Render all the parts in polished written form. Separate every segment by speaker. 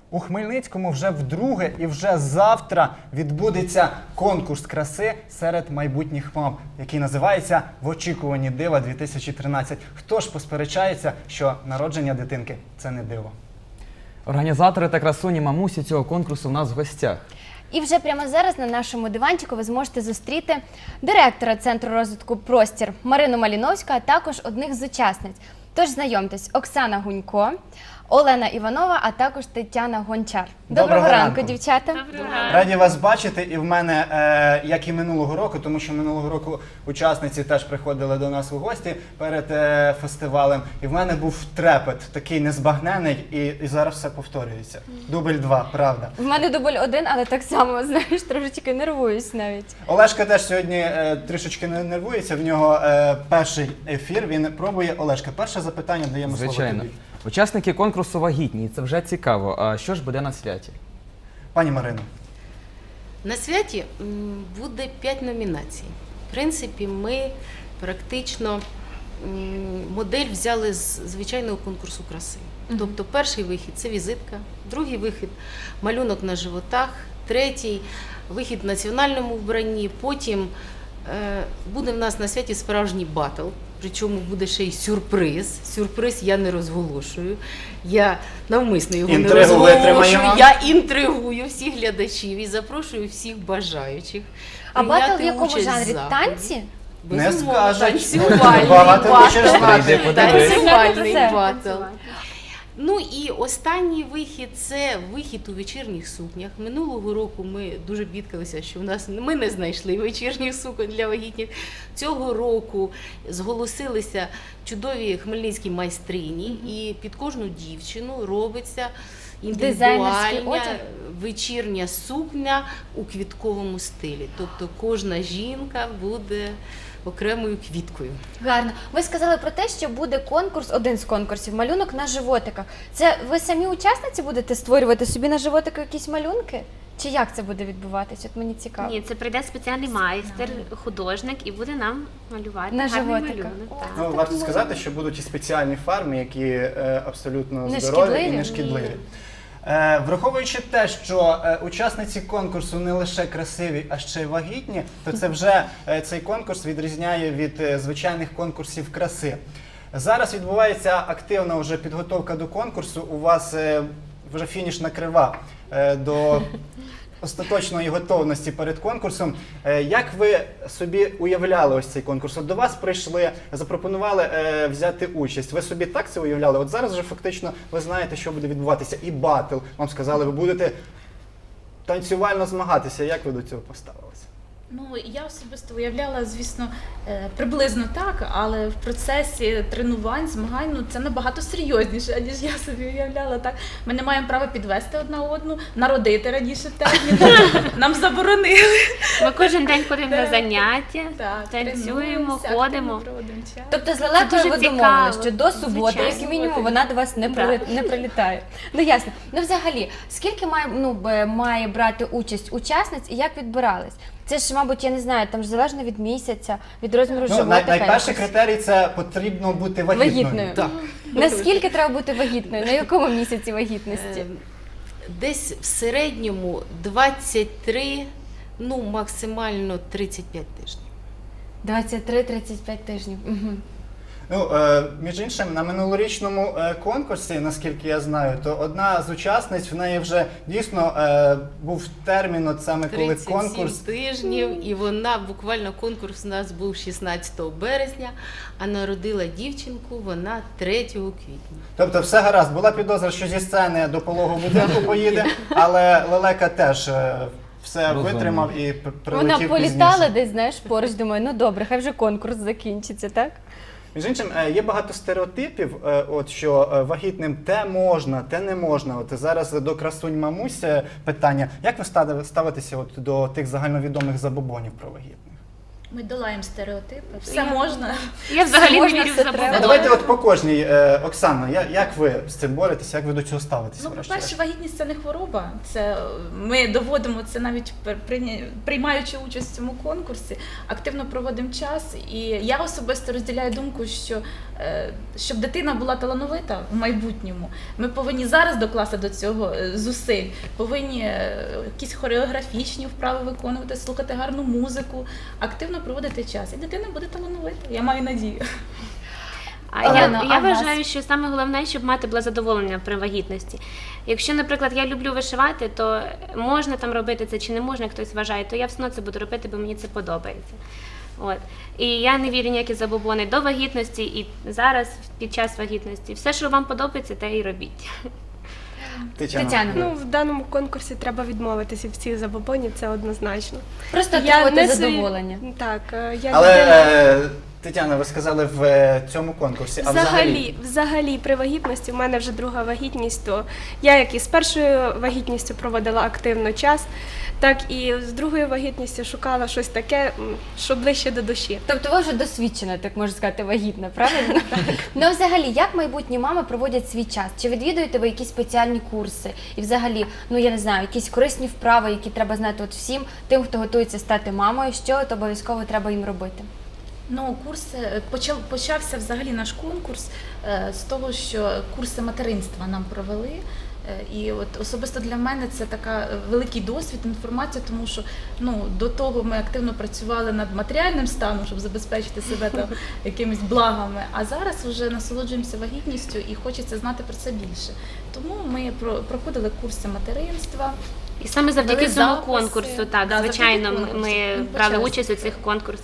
Speaker 1: У Хмельницькому вже вдруге і вже завтра відбудеться конкурс краси серед майбутніх мам, який називається «В очікуванні дива-2013». Хто ж посперечається, що народження дитинки – це не диво?
Speaker 2: Організатори та красуні мамусі цього конкурсу в нас в гостях.
Speaker 3: І вже прямо зараз на нашому диванчику ви зможете зустріти директора Центру розвитку «Простір» Марину Маліновську, а також одних з учасниць. Тож знайомтесь, Оксана Гунько, Олена Іванова, а також Тетяна Гончар. Доброго ранку, дівчата.
Speaker 1: Раді вас бачити. І в мене, як і минулого року, тому що минулого року учасниці теж приходили до нас у гості перед фестивалем. І в мене був трепет, такий незбагнений, і зараз все повторюється. Дубль 2, правда.
Speaker 3: В мене дубль 1, але так само, знаєш, трошечки нервуюсь навіть.
Speaker 1: Олешка теж сьогодні трішечки нервується, в нього перший ефір, він пробує. Олешка, перше запитання, даємо слово
Speaker 2: Звичайно.
Speaker 1: тобі.
Speaker 2: Учасники конкурсу вагітні, і це вже цікаво. А що ж буде на святі?
Speaker 1: Пані Марино.
Speaker 4: На святі буде 5 номінацій. В принципі, ми практично модель взяли з звичайного конкурсу краси. Тобто перший вихід – це візитка, другий вихід – малюнок на животах, третій – вихід в національному вбранні, потім буде в нас на святі справжній батл. Причому буде ще й сюрприз. Сюрприз я не розголошую. Я навмисно його не розголошую. Я інтригую всіх глядачів і запрошую всіх бажаючих.
Speaker 3: А батл в
Speaker 4: прийняти
Speaker 3: якому
Speaker 4: участь в
Speaker 3: жанрі?
Speaker 4: заході.
Speaker 3: Танці?
Speaker 1: Не
Speaker 4: Безумовно,
Speaker 1: скажуть.
Speaker 4: танцювальний
Speaker 1: Багато
Speaker 4: батл.
Speaker 1: хочеш знати.
Speaker 4: Танцювальний
Speaker 3: Це.
Speaker 4: батл. Ну і останній вихід – це вихід у вечірніх сукнях. Минулого року ми дуже бідкалися, що ми не знайшли вечірніх суконь для вагітних. Цього року зголосилися чудові хмельницькі майстрині, і під кожну дівчину робиться
Speaker 3: Дизайнерський
Speaker 4: індивідуальна
Speaker 3: одяг?
Speaker 4: вечірня сукня у квітковому стилі. Тобто кожна жінка буде окремою квіткою.
Speaker 3: Гарно. Ви сказали про те, що буде конкурс, один з конкурсів, малюнок на животиках. Це ви самі учасниці будете створювати собі на животику якісь малюнки? Чи як це буде відбуватися? От мені цікаво.
Speaker 5: Ні, це прийде спеціальний майстер, художник і буде нам малювати
Speaker 3: На
Speaker 5: гарний
Speaker 3: животиках.
Speaker 5: малюнок. так.
Speaker 1: Ну, варто сказати, що будуть і спеціальні фарби, які абсолютно
Speaker 3: Не
Speaker 1: здорові і
Speaker 3: шкідливі?
Speaker 1: не шкідливі. Враховуючи те, що учасниці конкурсу не лише красиві, а ще й вагітні, то це вже цей конкурс відрізняє від звичайних конкурсів краси. Зараз відбувається активна вже підготовка до конкурсу. У вас вже фінішна крива до остаточної готовності перед конкурсом. Як ви собі уявляли ось цей конкурс? От до вас прийшли, запропонували взяти участь. Ви собі так це уявляли? От зараз вже фактично ви знаєте, що буде відбуватися. І батл. Вам сказали, ви будете танцювально змагатися. Як ви до цього поставилися?
Speaker 6: Ну, я особисто уявляла, звісно, приблизно так, але в процесі тренувань, змагань, ну, це набагато серйозніше, ніж я собі уявляла. Так? Ми не маємо права підвести одна одну, народити раніше терміну, нам заборонили.
Speaker 5: Ми кожен день ходимо на
Speaker 6: Так.
Speaker 5: заняття,
Speaker 6: Так,
Speaker 5: танцюємо,
Speaker 6: тренуємося,
Speaker 5: ходимо.
Speaker 6: активно проводимо час.
Speaker 3: Тобто з Лелекою
Speaker 5: дуже
Speaker 3: ви
Speaker 5: цікаво.
Speaker 3: домовились, що до суботи,
Speaker 5: Звичайно.
Speaker 3: як мінімум, вона до вас не прилітає. Ну ясно. Ну взагалі, скільки має брати участь учасниць і як відбирались? Це ж, мабуть, я не знаю, там ж залежно від місяця, від розміру
Speaker 1: Ну,
Speaker 3: животика.
Speaker 1: найперший
Speaker 3: якось.
Speaker 1: критерій – це потрібно бути вагітною.
Speaker 3: Вагітною.
Speaker 1: Так.
Speaker 3: Наскільки треба бути вагітною? На якому місяці вагітності?
Speaker 4: Десь в середньому 23, ну максимально 35 тижнів.
Speaker 3: 23-35 тижнів. Угу.
Speaker 1: Ну, між іншим, на минулорічному конкурсі, наскільки я знаю, то одна з учасниць, в неї вже дійсно був термін, от саме коли
Speaker 4: 37
Speaker 1: конкурс.
Speaker 4: тижнів, і вона буквально конкурс у нас був 16 березня, а народила дівчинку вона 3 квітня.
Speaker 1: Тобто все гаразд, була підозра, що зі сцени до пологового будинку поїде, але Лелека теж все
Speaker 2: Розумно.
Speaker 1: витримав і прилетів
Speaker 3: Вона політала
Speaker 1: пізніше.
Speaker 3: десь, знаєш, поруч, думаю, ну добре, хай вже конкурс закінчиться, так?
Speaker 1: Між іншим, є багато стереотипів, от що вагітним те можна, те не можна. От зараз до красунь мамусь питання. Як ви ставитеся от до тих загальновідомих забобонів про вагітних?
Speaker 6: Ми долаємо стереотипи, все можна.
Speaker 5: Я взагалі не
Speaker 3: можна,
Speaker 5: вірю в
Speaker 3: все
Speaker 1: Ну,
Speaker 3: треба.
Speaker 5: забобони.
Speaker 1: давайте от по кожній. Оксана, як ви з цим боретеся, як ви до цього ставитеся?
Speaker 6: Ну,
Speaker 1: врешті-решт?
Speaker 6: по-перше, вагітність це не хвороба. Це ми доводимо це навіть приймаючи участь в цьому конкурсі, активно проводимо час. І я особисто розділяю думку, що щоб дитина була талановита в майбутньому, ми повинні зараз докласти до цього зусиль, повинні якісь хореографічні вправи виконувати, слухати гарну музику, активно проводити час. І дитина буде талановита. Я маю надію.
Speaker 5: А
Speaker 3: Олено,
Speaker 5: я
Speaker 3: а в нас?
Speaker 5: вважаю, що саме головне, щоб мати було задоволення при вагітності. Якщо, наприклад, я люблю вишивати, то можна там робити це чи не можна, хтось вважає, то я все одно це буду робити, бо мені це подобається. От. І я не вірю ніякі забобони до вагітності і зараз під час вагітності. Все, що вам подобається, те і робіть.
Speaker 3: Тетяна,
Speaker 7: Ну, в даному конкурсі треба відмовитися від всіх забобонів, це однозначно.
Speaker 3: просто
Speaker 7: Я
Speaker 3: отримувати
Speaker 7: не свої-
Speaker 3: задоволення.
Speaker 7: Так, я
Speaker 1: Але
Speaker 7: людина...
Speaker 1: Тетяна, ви сказали в цьому конкурсі, а
Speaker 7: Взагалі, при вагітності, в мене вже друга вагітність, то я як і з першою вагітністю проводила активно час, так і з другою вагітністю шукала щось таке, що ближче до душі.
Speaker 3: Тобто ви вже досвідчена, так можна сказати, вагітна, правильно? Ну, а взагалі, як майбутні мами проводять свій час? Чи відвідуєте ви якісь спеціальні курси? І взагалі, ну я не знаю, якісь корисні вправи, які треба знати от всім тим, хто готується стати мамою, що от обов'язково треба їм робити?
Speaker 6: Ну, почався взагалі наш конкурс з того, що курси материнства нам провели. І от особисто для мене це така великий досвід, інформація, тому що до того ми активно працювали над матеріальним станом, щоб забезпечити себе там якимись благами. А зараз вже насолоджуємося вагітністю і хочеться знати про це більше. Тому ми проходили курси материнства.
Speaker 5: І саме завдяки
Speaker 6: Дали
Speaker 5: цьому
Speaker 6: записи.
Speaker 5: конкурсу, так,
Speaker 6: Да,
Speaker 5: звичайно,
Speaker 6: завдяки конкурсу.
Speaker 5: ми
Speaker 6: Ми
Speaker 5: брали
Speaker 6: почали
Speaker 5: участь у
Speaker 6: це.
Speaker 5: цих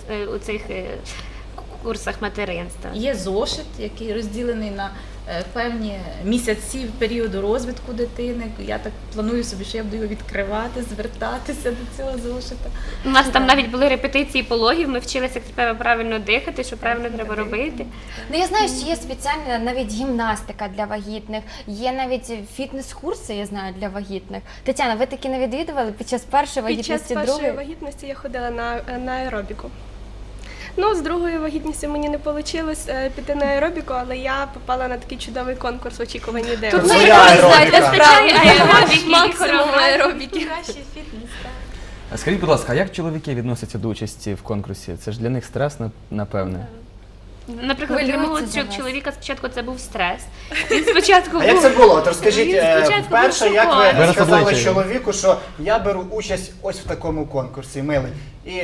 Speaker 5: курсах материнства.
Speaker 6: Є зошит, який розділений на певні місяці періоду розвитку дитини. Я так планую собі, що я буду його відкривати, звертатися до цього зошита.
Speaker 5: У нас там навіть були репетиції пологів, ми вчилися, як треба правильно дихати, що правильно треба робити.
Speaker 3: Ну, я знаю, що є спеціальна навіть гімнастика для вагітних, є навіть фітнес-курси, я знаю, для вагітних. Тетяна, ви такі не відвідували під час першої
Speaker 7: Під час
Speaker 3: вагітності,
Speaker 7: першої
Speaker 3: другої?
Speaker 7: вагітності я ходила на аеробіку. Ну, з другою вагітністю мені не вийшло піти на аеробіку, але я попала на такий чудовий конкурс в очікуванні
Speaker 3: Тут
Speaker 7: ідеї.
Speaker 3: ми
Speaker 1: Своя
Speaker 3: якраз
Speaker 1: аеробіка.
Speaker 3: знаєте справу.
Speaker 5: Аеробіки і
Speaker 7: Максимум
Speaker 5: хореографії.
Speaker 7: аеробіки.
Speaker 6: Кращий фітнес, так.
Speaker 2: Скажіть, будь ласка, а як чоловіки відносяться до участі в конкурсі? Це ж для них стрес, напевне.
Speaker 5: Наприклад, для
Speaker 3: Хвилюються
Speaker 5: мого
Speaker 3: за вас.
Speaker 5: чоловіка спочатку це був стрес. Він спочатку
Speaker 1: А як це було? От розкажіть,
Speaker 5: Він спочатку
Speaker 1: вперше,
Speaker 5: був
Speaker 1: як
Speaker 5: шокований.
Speaker 1: ви
Speaker 2: Вираз
Speaker 1: сказали
Speaker 2: обличчя.
Speaker 1: чоловіку, що я беру участь ось в такому конкурсі, милий. І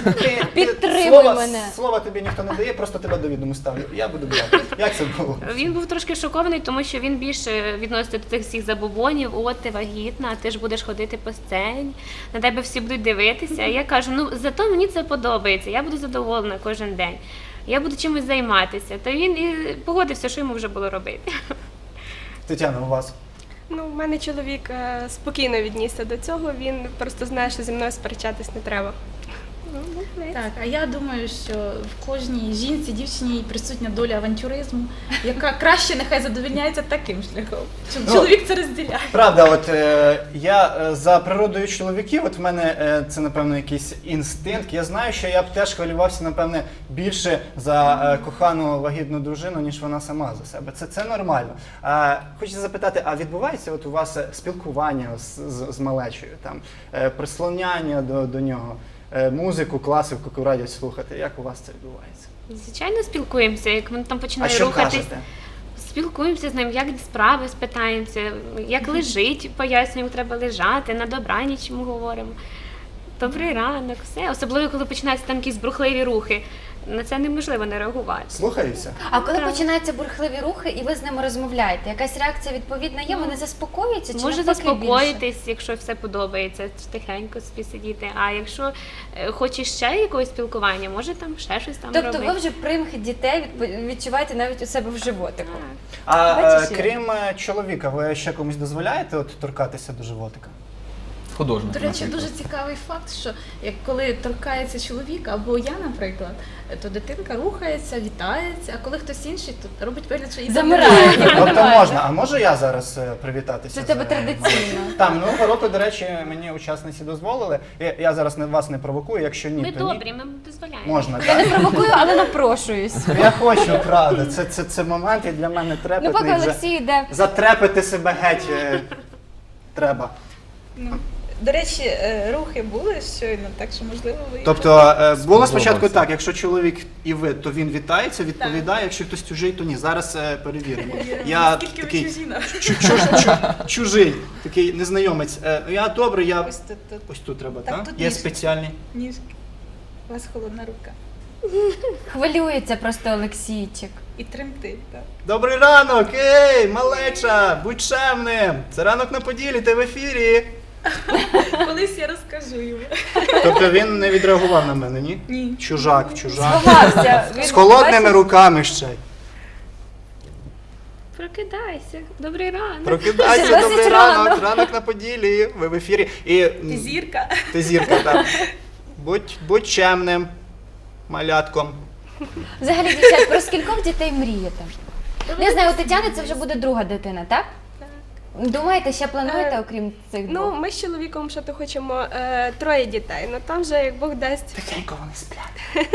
Speaker 3: Підтримуй мене.
Speaker 1: Слова тобі ніхто не дає, просто тебе до відому ставлю. Я буду брати. Як це було?
Speaker 5: Він був трошки шокований, тому що він більше відноситься до цих всіх забобонів. От ти вагітна, ти ж будеш ходити по сцені, на тебе всі будуть дивитися. А я кажу, ну зато мені це подобається, я буду задоволена кожен день. Я буду чимось займатися. То він і погодився, що йому вже було робити.
Speaker 1: Тетяна, у вас?
Speaker 7: Ну, в мене чоловік спокійно віднісся до цього, він просто знає, що зі мною сперечатись не треба.
Speaker 6: Так, а я думаю, що в кожній жінці, дівчині присутня доля авантюризму, яка краще нехай задовольняється таким шляхом. Щоб
Speaker 1: Ну,
Speaker 6: чоловік це розділяє.
Speaker 1: Правда, от я за природою чоловіків, от в мене це, напевно, якийсь інстинкт. Я знаю, що я б теж хвилювався, напевне, більше за кохану вагітну дружину, ніж вона сама за себе. Це нормально. Хочу запитати, а відбувається от у вас спілкування з малечою, там, прислоняння до нього? Музику, класику, яку радять слухати. Як у вас це відбувається?
Speaker 5: Звичайно, спілкуємося, як він там
Speaker 1: А
Speaker 5: починає
Speaker 1: що
Speaker 5: рухатись.
Speaker 1: кажете?
Speaker 5: Спілкуємося з ним, як справи спитаємося, як лежить, пояснюємо, треба лежати, на добраніч йому говоримо. Добрий ранок, все. Особливо, коли починаються там якісь брухливі рухи. На це неможливо не реагувати.
Speaker 1: Слухаюся?
Speaker 3: А коли починаються бурхливі рухи і ви з ними розмовляєте, якась реакція відповідна є, вони заспокоюються чи
Speaker 5: Може
Speaker 3: навпаки більше?
Speaker 5: заспокоїтись, якщо все подобається, тихенько собі сидіти. А якщо хочеш ще якогось спілкування, може там ще щось там
Speaker 3: Тобто
Speaker 5: робити.
Speaker 3: ви вже примхи дітей відчуваєте навіть у себе в животику.
Speaker 5: Так.
Speaker 1: А
Speaker 3: Бачиш, як?
Speaker 1: крім чоловіка, ви ще комусь дозволяєте от торкатися до животика?
Speaker 2: художник,
Speaker 6: До речі,
Speaker 2: наприклад.
Speaker 6: дуже цікавий факт, що як коли торкається чоловіка або я, наприклад, то дитинка рухається, вітається, а коли хтось інший, то робить вигляд, що і
Speaker 3: Замирає.
Speaker 1: Тобто можна, а можу я зараз привітатися?
Speaker 3: Це в тебе
Speaker 1: з-
Speaker 3: традиційно.
Speaker 1: Там, минулого року, до речі, мені учасниці дозволили. Я зараз вас не провокую, якщо ні,
Speaker 5: Ми
Speaker 1: то
Speaker 5: добрі,
Speaker 1: ні.
Speaker 5: ми дозволяємо.
Speaker 1: Можна,
Speaker 3: Я не
Speaker 1: так?
Speaker 3: провокую, але напрошуюсь.
Speaker 1: Я хочу, правда. Це момент і для мене
Speaker 3: Ну,
Speaker 1: трепетний.
Speaker 3: поки
Speaker 1: вже.
Speaker 3: Олексій йде.
Speaker 1: Затрепити себе геть треба.
Speaker 6: Ну, до речі, рухи були щойно, так що можливо ви.
Speaker 1: Тобто було спочатку
Speaker 2: Сподобався.
Speaker 1: так, якщо чоловік і ви, то він вітається, відповідає, якщо хтось чужий, то ні. Зараз перевіримо. Я
Speaker 6: Скільки ви
Speaker 1: такий
Speaker 6: чужі нам?
Speaker 1: чужий, такий незнайомець. Я добре, я
Speaker 6: Ось тут
Speaker 1: ось тут треба,
Speaker 6: Так,
Speaker 1: так?
Speaker 6: тут
Speaker 1: Є
Speaker 6: ніжки.
Speaker 1: спеціальні.
Speaker 6: ніжки. У вас холодна рука.
Speaker 3: Хвилюється просто Олексійчик.
Speaker 6: І тремтить, так.
Speaker 1: Добрий ранок, ей, малеча, будь чемним. Це ранок на Поділі, ти в ефірі.
Speaker 6: Колись я розкажу йому.
Speaker 1: Тобто він не відреагував на мене, ні?
Speaker 6: Ні.
Speaker 1: Чужак.
Speaker 3: Сховався. Він,
Speaker 1: З холодними
Speaker 3: бачиш,
Speaker 1: руками ще. й.
Speaker 5: Прокидайся, добрий ранок.
Speaker 1: Прокидайся,
Speaker 3: Досить
Speaker 1: добрий
Speaker 3: рано.
Speaker 1: ранок, ранок на Поділі, ви в ефірі. І,
Speaker 6: Ти зірка.
Speaker 1: Ти зірка, так. Будь чемним, малятком.
Speaker 3: Взагалі, дівчат, про скількох дітей мрієте? Не знаю, у Тетяни це вже буде друга дитина, так? Думаєте, ще плануєте, окрім цих
Speaker 7: Ну,
Speaker 3: двох?
Speaker 7: ми з чоловіком ще то хочемо 3 дітей, ну там вже як Бог дасть.
Speaker 1: Тихенько вони сплять.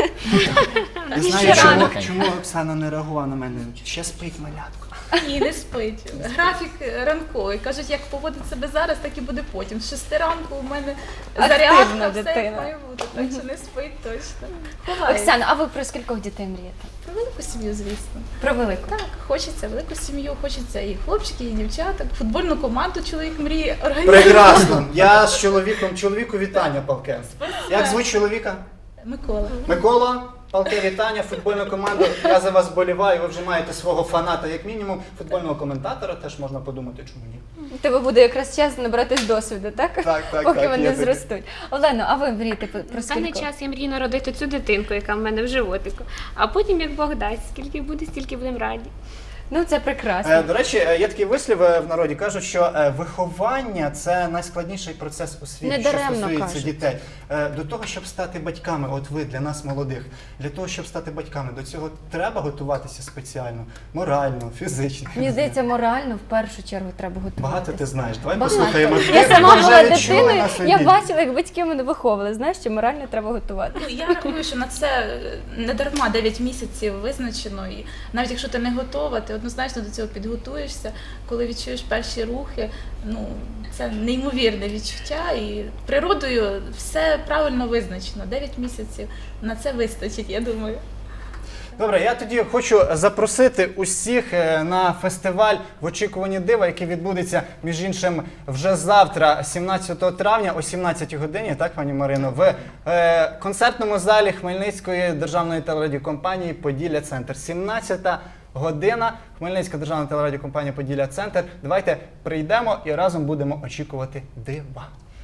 Speaker 1: Я
Speaker 3: І
Speaker 1: знаю,
Speaker 3: ще
Speaker 1: чому,
Speaker 2: рано.
Speaker 1: чому Оксана не реагувала на мене. Ще спить малятко.
Speaker 6: Ні, не спить. Графік ранковий. Кажуть, як поводить себе зараз, так і буде потім. З 6 ранку у мене
Speaker 3: Активна
Speaker 6: зарядка, все
Speaker 3: дитина.
Speaker 6: як має бути. Так що не спить точно. Ховається.
Speaker 3: Оксана, а ви про скількох дітей мрієте?
Speaker 6: Про велику сім'ю, звісно.
Speaker 3: Про велику.
Speaker 6: Так, хочеться велику сім'ю, хочеться і хлопчиків, і дівчаток. Футбольну команду чоловік мріє організувати.
Speaker 1: Прекрасно. Я з чоловіку вітання, Павке. Як звуть чоловіка?
Speaker 6: Микола.
Speaker 1: Микола, Палке, вітання, футбольну команду. Я за вас вболіваю, ви вже маєте свого фаната, як мінімум, футбольного коментатора, теж можна подумати, чому ні.
Speaker 3: У тебе буде якраз час набратись досвіду, так?
Speaker 1: Так,
Speaker 3: Поки
Speaker 1: є
Speaker 3: вони
Speaker 1: таке.
Speaker 3: зростуть. Олено, а ви мрієте про
Speaker 5: На даний
Speaker 3: скількох?
Speaker 5: час я мрію народити цю дитинку, яка в мене в животику. А потім, як Бог дасть, скільки буде, стільки будемо раді.
Speaker 3: Ну, це прекрасно.
Speaker 1: До речі, є такий вислів в народі, кажуть, що виховання – це найскладніший процес у світі, що
Speaker 3: Недаремно
Speaker 1: стосується
Speaker 3: кажуть.
Speaker 1: дітей. До того, щоб стати батьками, от ви, для нас молодих, для того, щоб стати батьками, до цього треба готуватися спеціально, морально, фізично.
Speaker 3: Мені здається, морально в першу чергу треба готуватися.
Speaker 1: Багато ти знаєш. Давай
Speaker 3: Багато.
Speaker 1: послухаємо.
Speaker 3: Я
Speaker 1: Ти
Speaker 3: сама
Speaker 1: вже
Speaker 3: була
Speaker 1: відчула
Speaker 3: дитиною,
Speaker 1: на собі.
Speaker 3: я бачила, як батьки мене виховували. Знаєш, що морально треба готувати.
Speaker 6: Ну, я рахую, що на це не дарма 9 місяців визначено. І навіть якщо ти не готова, ти однозначно до цього підготуєшся. Коли відчуєш перші рухи, ну це неймовірне відчуття. І природою все правильно визначено. 9 місяців на це вистачить, я думаю.
Speaker 1: Добре, я тоді хочу запросити усіх на фестиваль в очікуванні дива, який відбудеться, між іншим, вже завтра, 17 травня о 17 годині, так, пані Марино, в концертному залі Хмельницької державної телерадіокомпанії «Поділля Центр». 17 година, Хмельницька державна телерадіокомпанія «Поділля Центр». Давайте прийдемо і разом будемо очікувати дива.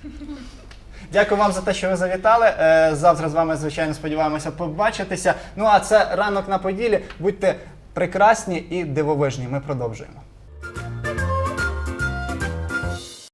Speaker 1: Дякую вам за те, що ви завітали. Завтра з вами, звичайно, сподіваємося побачитися. Ну а це «Ранок на Поділі». Будьте прекрасні і дивовижні. Ми продовжуємо.